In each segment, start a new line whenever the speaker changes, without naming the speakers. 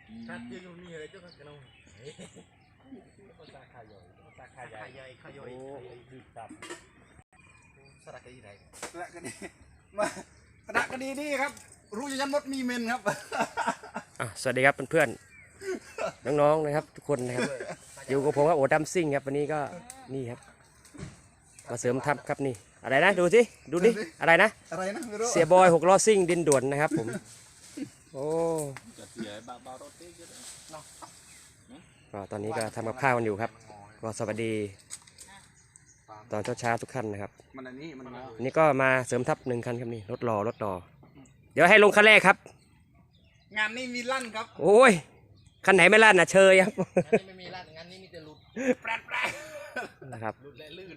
ถ้าเจออยู่นี่อะไรเจ้ากันเอาภาษาขายขายคือตับสระกันที่ไหนสระกันนี่มาสระกันนี่ครับรู้ยันมดมีเมนครับ
สวัสดีครับเพื่อนๆน้องๆนะครับทุกคนนะครับอยู่กับผมครับโอดัมซิ่งครับวันนี้ก็นี่ครับมาเสริมทัพครับนี่อะไรนะดูสิดูดิอะไรนะเสียบอย6 ล้อซิ่งดินด่วนนะครับผมโอ้ก็ตอนนี้ก็ทำกับข้าวกันอยู่ครับก็สวัสดีตอนเช้าทุกท่านนะครับนี่ก็มาเสริมทัพ1 คันครับนี่รถรอเดี๋ยวให้ลงคันแรกครับ
งานนี้มีลั่นครับ
โอ้ยคันไหนไม่ลั่นนะเชยครับ
งานนี้ไม่มีลั่นงานนี้มีแต่หลุดแปร
นะครับ
หลุดและลื่น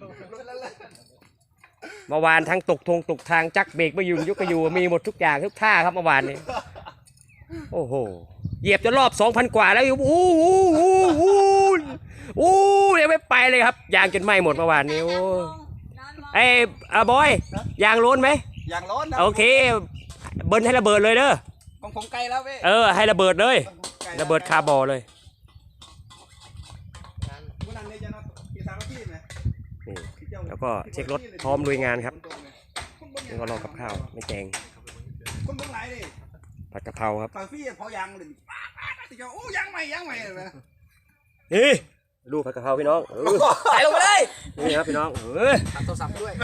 เมื่อวานทั้งตกทางจักเบรกไม่อยู่ยกกระยูมีหมดทุกอย่างทุกท่าครับเมื่อวานนี้โอ้โหเหยียบจนรอบ 2,000 กว่าแล้วโอ้โหยังไม่ไปเลยครับยางจนไหม้หมดเมื่อวานนี้โอ้ไอ้บอยยางล้นไหม
ยางล้น
โอเคเบิ้ลให้ระเบิดเลยเด้อ
ของผมไกลแล้วเว้ย
ให้ระเบิดเลยระเบิดคาร์บอเลยแล้วก็เช็ครถพร้อมลุยงานครับแล้วก็รอกับข้าวไม่แกงผัดกะเพราครับ
โอ้ยังใหม่
นี่ดูผัดกะเพราพี่น้อง
ใส่ลงไปเลย
นี่ครับพี่น้อง
ตัดโทรศัพท์ด้วย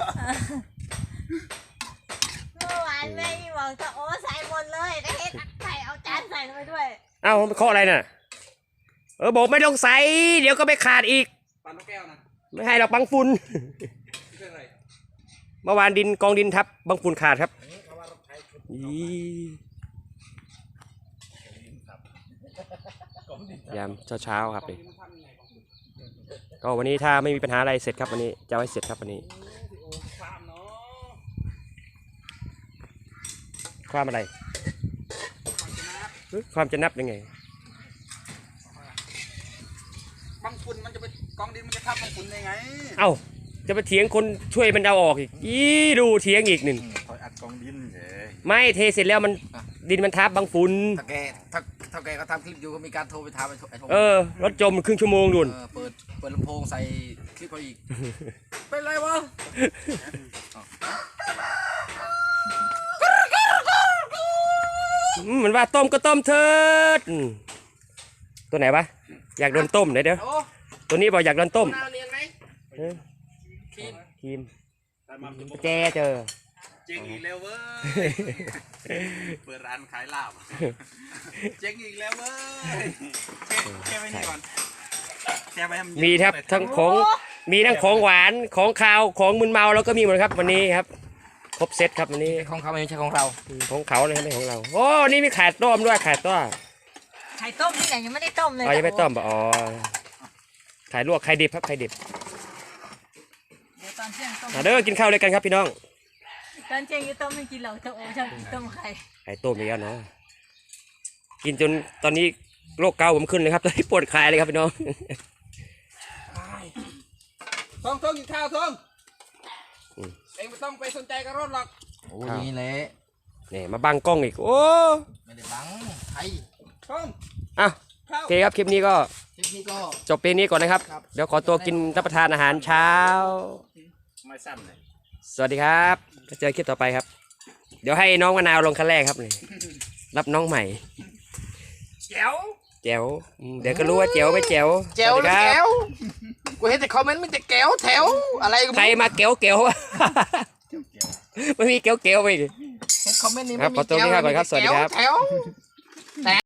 เมื่อวานแม่บอกจะโอ้ใส่หมดเลยแต่เห็นใส่เอาจานใส่ลงไปด้วย
เอ้ามันข้ออะไรน่ะบอกไม่ต้องใส่เดี๋ยวก็ไม่ขาดอีก
ปั่นนกแก้วนะ
ไม่ให้หรอกบังฝุ่นเมื่อวานกองดินทับบังฝุ่นขาดครับยามเช้าครับนี่ก็วันนี้ถ้าไม่มีปัญหาอะไรเสร็จครับวันนี้จะให้เสร็จครับวันนี้ความอะไรความจะนับยังไง
บังฝุ่นมันจะไปกองดินมันจะทับบังฝุ่นยังไง
เอ้าจะไปเถียงคนช่วยมันเอาออกอีกดูเถียงอีกหนึ่ง
อัดกองดิน
ไม่เทเสร็จแล้วมันดินมันทับบังฝุ่น
ถ้าแกก็ทำคลิปอยู่ก็มีการโทรไปถามไอ้โท
รถจมครึ่งชั่วโมงดุน
เปิดลำโพงใส่คลิปเขาอีกเป็นไรวะ
มันว่าต้มก็ต้มเถิดตัวไหนวะอยากโดนต้มเดี๋ยวตัวนี้บอกอยากโดนต้มครีมแจเจอ
เจ๊งอีกแล้วเว้ยเปิดร้านขายลาบเจ๊งอีกแล้วเว้ยแค่ไว้นี่ก่อน
มีครับทั้งของมีทั้งของหวานของคาวของมึนเมาแล้วก็มีหมดครับวันนี้ครับครบเซตครับวันนี้
ของเขาไม่ใช่ของเรา
ของเขาเลยไม่ของเราโอ้นี่มีไข่ต้มด้วยไข่ต้ม
ไข่ต้มที่ไหนยังไม่ได้ต้มเลย
ยังไม่ต้มอ๋อไข่ลวกไข่ดิบครับไข่ดิบ
เดี๋ยวตอนเที่ยงต้ม
เด้อกินข้าวเลยกันครับพี่น้อง
ตอนเที่ยงจะต้มไม่กินหรอกจะโอ้ชอบกินต้มไข่
ต้มอย่างนี้เนาะกินจนตอนนี้โรคเกาผมขึ้นเลยครับตอนนี้ปวดคลายเลยครับพี่น้อง
ทองกินข้าวทองเองไม่ต้องไปสนใจกับรถหรอกโอ้ยนี่แหละ
นี่มาบังกล้องอีกโอ้
ไม่ได้บังไอ้ทอง
โอเคครับคลิปนี้ก็จบเพลงนี้ก่อนนะครับเดี๋ยวขอตัวกินรับประทานอาหารเช้า
ไม่สั้นเลย
สวัสดีครับเจอคลิปต่อไปครับเดี๋ยวให้น้องมะนาวลงคันแรกครับนี่รับน้องใหม่
แจ๋ว
เดี๋ยวก็รู้ว่าแจ๋วไม่แจ๋ว
กูเห็นแต่คอมเมนต์มีแต่แก้วแถวอะไร
ใครมาแก้วไม่มีแก้วไป
คอมเมนต์นี้
ไม่มีแก้วครับขอตัวนี้ครับก่อนครับสวัสดีครับ